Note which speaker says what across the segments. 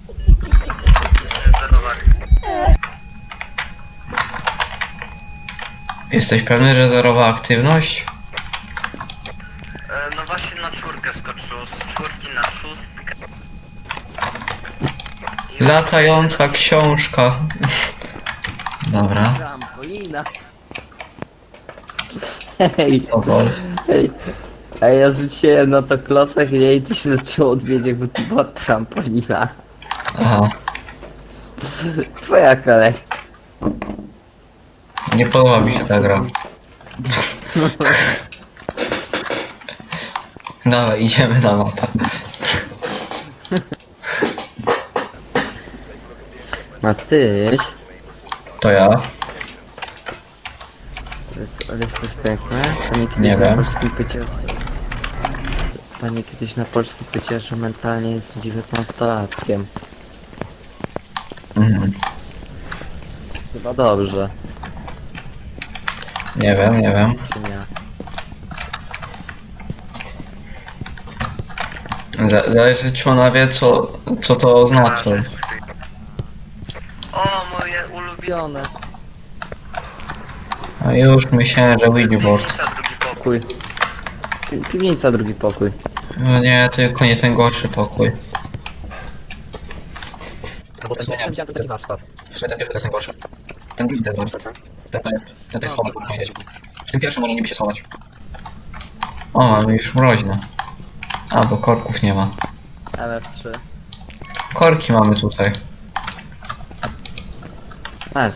Speaker 1: Jesteś pewny, że zerowa aktywność?
Speaker 2: No właśnie na czwórkę skoczył, z czwórki na szóstkę.
Speaker 1: Latająca książka. Dobra.
Speaker 3: Trampolina. Hej,
Speaker 1: O Boże.
Speaker 3: hej. A ja rzuciłem na to klocek i to się zaczęło odbieć, jakby to była trampolina.
Speaker 1: Aha.
Speaker 3: Twoja kolej.
Speaker 1: Nie podoba mi się ta gra. Dawaj, idziemy na mapę.
Speaker 3: Matyś,
Speaker 1: To ja?
Speaker 3: jest coś piękne. Pani kiedyś
Speaker 1: Nie
Speaker 3: na
Speaker 1: wiem.
Speaker 3: polskim pycie... Pani kiedyś na polskim pycie, że mentalnie jest 19-latkiem.
Speaker 1: Mhm.
Speaker 3: Chyba dobrze,
Speaker 1: Nie wiem, nie wiem.
Speaker 3: czy nie?
Speaker 1: Zależy, czy ona wie, co to oznacza.
Speaker 2: O, moje ulubione.
Speaker 3: Pione.
Speaker 1: A już myślałem, że Ouijboard.
Speaker 2: Piwnica, drugi pokój.
Speaker 3: Pokój. Piwnica, drugi pokój.
Speaker 1: No nie, tylko nie ten gorszy pokój.
Speaker 3: Bo ten widziałem to taki warsztat.
Speaker 1: Ten pierwszy to jest najgorszy. Ten drugi to jest gorszy. Ten to jest schowek, można powiedzieć. W tym pierwszym może niby się schować. O, mamy już mroźne. A, bo korków nie ma.
Speaker 3: LF3.
Speaker 1: Korki mamy tutaj.
Speaker 3: Masz.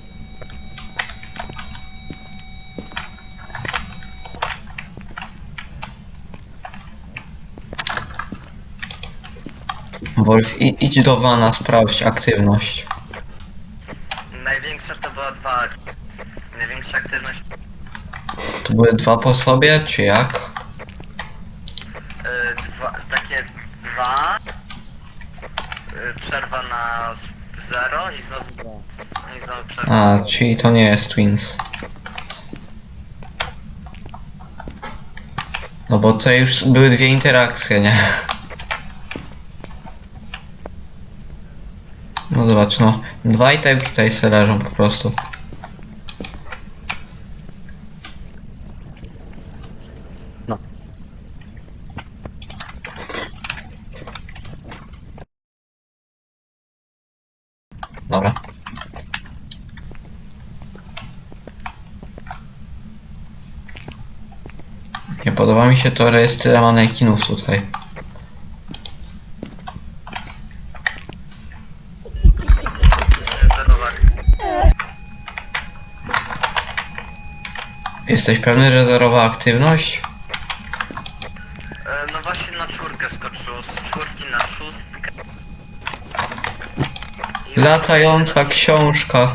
Speaker 1: Wolf, idź do wana, sprawdź aktywność.
Speaker 2: Największa to była dwa. Największa aktywność.
Speaker 1: To były dwa po sobie, czy jak?
Speaker 2: Takie dwa. Przerwa na 0 i znowu przerwa.
Speaker 1: A, czyli to nie jest Twins. No bo to już były dwie interakcje, nie? No zobacz, no. Dwa itemki tutaj se leżą po prostu.
Speaker 3: No.
Speaker 1: Dobra. Nie podoba mi się to, że jest tyle manekinów tutaj.
Speaker 2: Zerowak.
Speaker 1: Jesteś pewny, że zerowa aktywność?
Speaker 2: No właśnie na czwórkę skoczył, z czwórki na szóstkę.
Speaker 1: Latająca książka.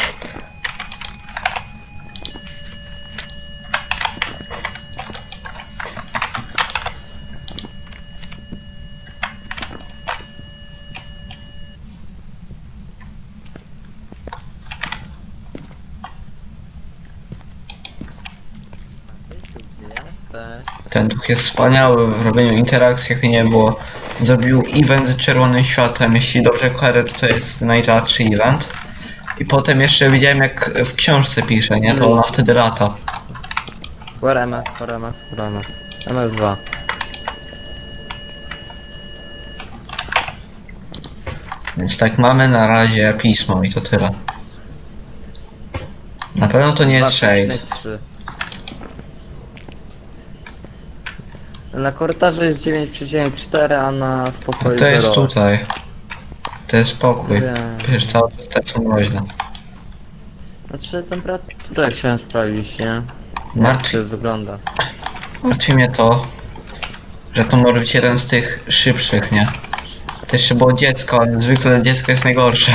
Speaker 3: Gdzie jesteś?
Speaker 1: Ten duch jest wspaniały w robieniu interakcji, jak nie było. Zrobił event z czerwonym światłem. Jeśli dobrze kojarzę, to jest najrzadszy event. I potem jeszcze widziałem, jak w książce pisze, nie? To ona wtedy lata.
Speaker 3: Warama. MF2.
Speaker 1: Więc tak, mamy na razie pismo i to tyle. Na pewno to nie jest shade.
Speaker 3: 2,3. Na korytarzu jest 9,4, a w pokoju
Speaker 1: To jest
Speaker 3: 0.
Speaker 1: tutaj. To jest pokój.
Speaker 3: Wiem.
Speaker 1: Przecież całe te są mroźne.
Speaker 3: Znaczy temperaturę chciałem sprawdzić, nie? Jak
Speaker 1: Martwi-
Speaker 3: to wygląda.
Speaker 1: Martwi mnie to, że to może być jeden z tych szybszych, nie? To jeszcze było dziecko, ale zwykle dziecko jest najgorsze.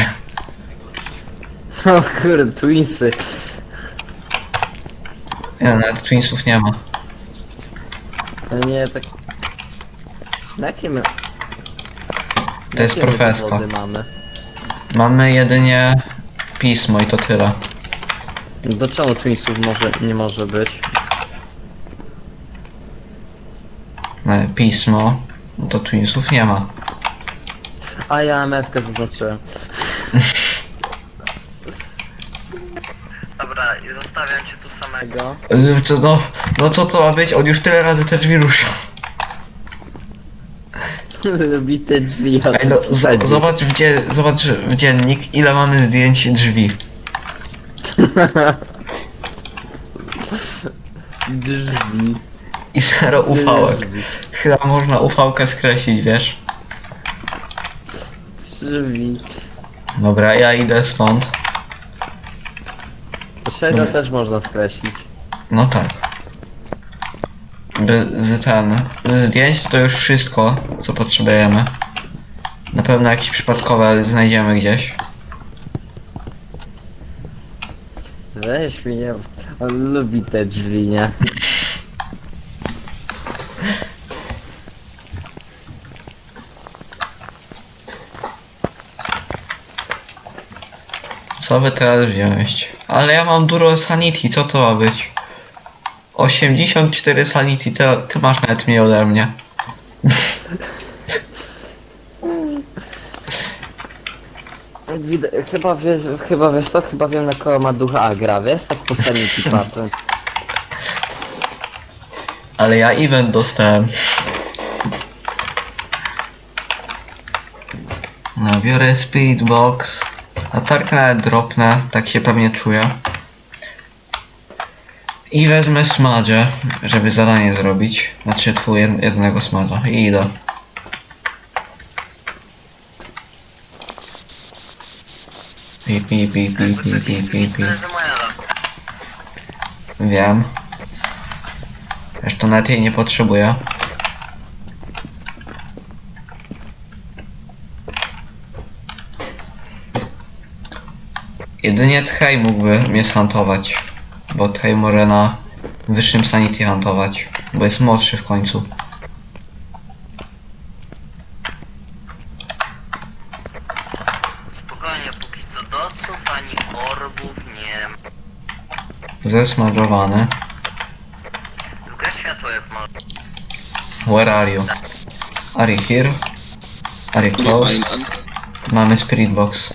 Speaker 3: O kurde, Twinsy.
Speaker 1: Nie, nawet Twinsów nie ma.
Speaker 3: Nie, tak... Na jakie my...
Speaker 1: To jest
Speaker 3: jakie my
Speaker 1: profeska.
Speaker 3: dowody mamy?
Speaker 1: Mamy jedynie pismo i to tyle.
Speaker 3: Do czemu Twinsów nie może być?
Speaker 1: Pismo, no to Twinsów nie ma.
Speaker 3: A ja MF-kę zaznaczyłem.
Speaker 2: Dobra, i zostawiam cię tu samego.
Speaker 3: Tego.
Speaker 1: No co to ma być? On już tyle razy te drzwi ruszył.
Speaker 3: Lubi te drzwi
Speaker 1: Ej, no,
Speaker 3: od
Speaker 1: zobacz w dziennik, ile mamy zdjęć drzwi.
Speaker 3: Drzwi.
Speaker 1: I 0 ufałek.
Speaker 3: Drzwi.
Speaker 1: Chyba można ufałkę skreślić, wiesz?
Speaker 3: Drzwi.
Speaker 1: Dobra, ja idę stąd.
Speaker 3: Shade'a też można skreślić.
Speaker 1: No tak. Ze zdjęć to już wszystko, co potrzebujemy. Na pewno jakieś przypadkowe znajdziemy gdzieś.
Speaker 3: Weź mnie. On lubi te drzwi, nie?
Speaker 1: Co by teraz wziąć? Ale ja mam dużo sanity, co to ma być? 84 sanity, ty masz nawet mniej ode mnie.
Speaker 3: Chyba wiesz co? Chyba wiem na kogo ma ducha Agra, wiesz? Tak po sanity patrząc.
Speaker 1: Ale ja event dostałem. No, biorę Spirit Box. Latarkę nawet dropnę, tak się pewnie czuję. I wezmę smadzie, żeby zadanie zrobić. Znaczy jednego smadza. I idę. Pi.
Speaker 2: Myślę, że moja lata.
Speaker 1: Wiem. Zresztą nawet jej nie potrzebuję. Jedynie Tchej mógłby mnie zhuntować. Bo Tchej może na wyższym sanity huntować. Bo jest młodszy w końcu.
Speaker 2: Spokojnie, póki co doców ani orbów nie ma.
Speaker 1: Zesmażowany.
Speaker 2: Zgaś światło jak może.
Speaker 1: Where are you? Are you here? Are you close? Mamy Spirit Box.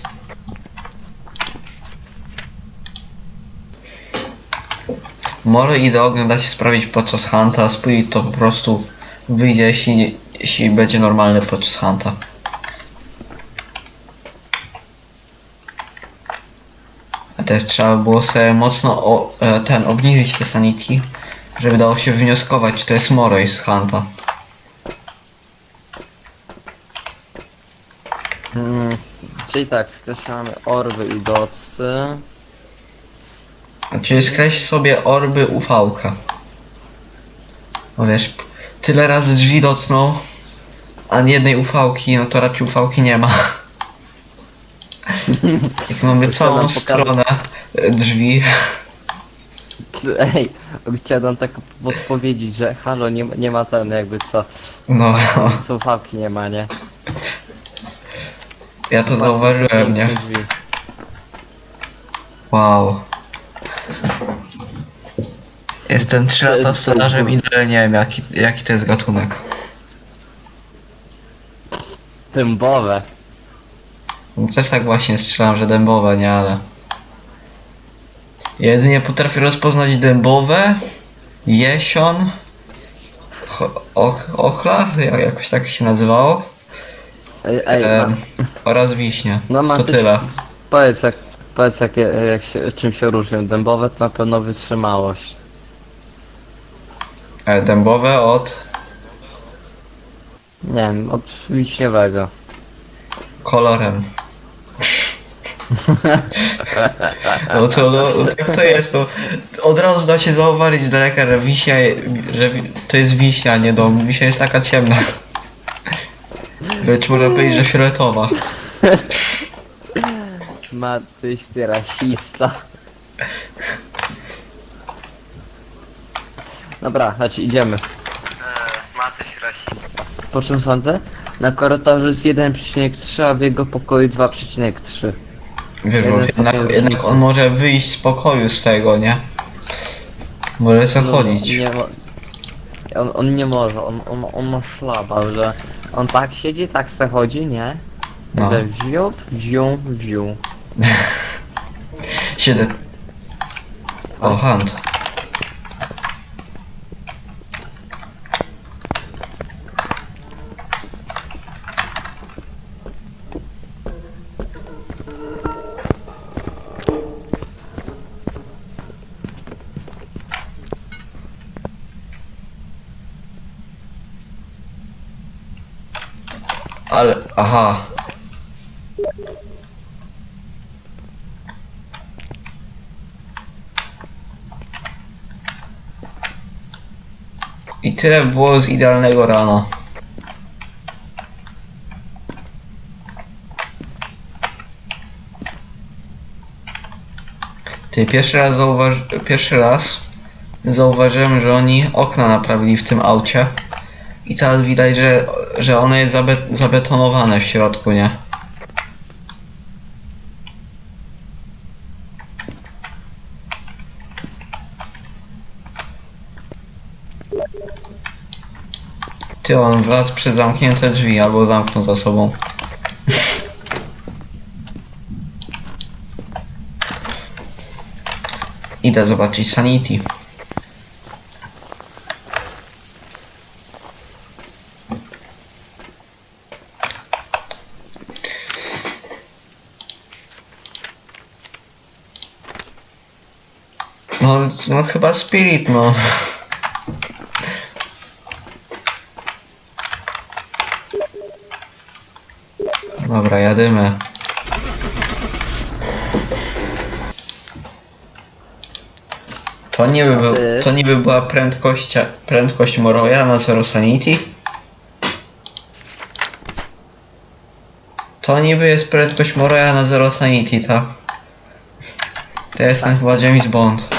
Speaker 1: Może idę oglądać, sprawdzić podczas hunta, Spirit to po prostu wyjdzie, jeśli będzie normalny podczas hunta. A też trzeba było sobie mocno obniżyć te sanity, żeby dało się wnioskować, czy to jest Moroj z hunta.
Speaker 3: Czyli tak, skreślamy orby i docy.
Speaker 1: Czyli skreśl sobie orby UV-kę. No wiesz, tyle razy drzwi dotknął, a jednej UV-ki, no to raczej UV-ki nie ma. Jak mamy całą
Speaker 3: nam pokazać.
Speaker 1: stronę drzwi.
Speaker 3: Ej, chciałem nam tak podpowiedzieć, że halo, nie ma ten jakby co.
Speaker 1: No,
Speaker 3: Słuchawki nie ma, nie?
Speaker 1: ja to
Speaker 3: Patrz,
Speaker 1: zauważyłem,
Speaker 3: piękne
Speaker 1: nie?
Speaker 3: drzwi.
Speaker 1: Wow. Jestem 3 lata stolarzem i dalej nie wiem jaki to jest gatunek.
Speaker 3: Dębowe.
Speaker 1: No też tak właśnie strzelam, że dębowe, nie, ale... Jedynie potrafię rozpoznać dębowe, jesion, ochla, jakoś tak się nazywało,
Speaker 3: Ej,
Speaker 1: oraz wiśnie.
Speaker 3: no mam
Speaker 1: To
Speaker 3: też,
Speaker 1: tyle.
Speaker 3: powiedz czym się różnią. Dębowe to na pewno wytrzymałość.
Speaker 1: Dębowe od
Speaker 3: Nie wiem, od wiśniowego.
Speaker 1: kolorem. No jak to jest, to od razu da się zauważyć z daleka, że wiśnia, że to jest wiśnia, a nie dom. Wiśnia jest taka ciemna. Lecz można powiedzieć, że fioletowa.
Speaker 3: Matyś, ty rasista. Dobra, chodź, idziemy.
Speaker 2: Matyś rasista.
Speaker 3: Po czym sądzę? Na korytarzu jest 1,3, a w jego pokoju 2,3.
Speaker 1: Wiesz, bo
Speaker 3: Jeden sobie
Speaker 1: jednak
Speaker 3: różnicy.
Speaker 1: on może wyjść z pokoju z tego, nie? Może sobie chodzić.
Speaker 3: Nie, on nie może, on ma szlaba, że on tak siedzi, tak se chodzi, nie?
Speaker 1: No.
Speaker 3: Wziął.
Speaker 1: 7. O, hunt. Ale, aha. I tyle było z idealnego rana. Ty, pierwszy raz zauważyłem, że oni okna naprawili w tym aucie. I teraz widać, że ono jest zabetonowane w środku, nie? Ty, on wlazł przez zamknięte drzwi, albo zamknął za sobą. Idę zobaczyć Sanity. No chyba Spirit, no. Dobra, jadymy. To niby była prędkość Moroja na Zero Sanity? To niby jest prędkość Moroja na Zero Sanity, tak? To jestem chyba James Bond.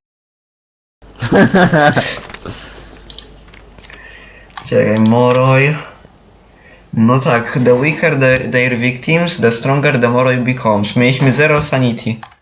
Speaker 1: Czekaj, Moroj. No tak, the weaker their victims, the stronger the Moroj becomes. Mieliśmy Zero Sanity.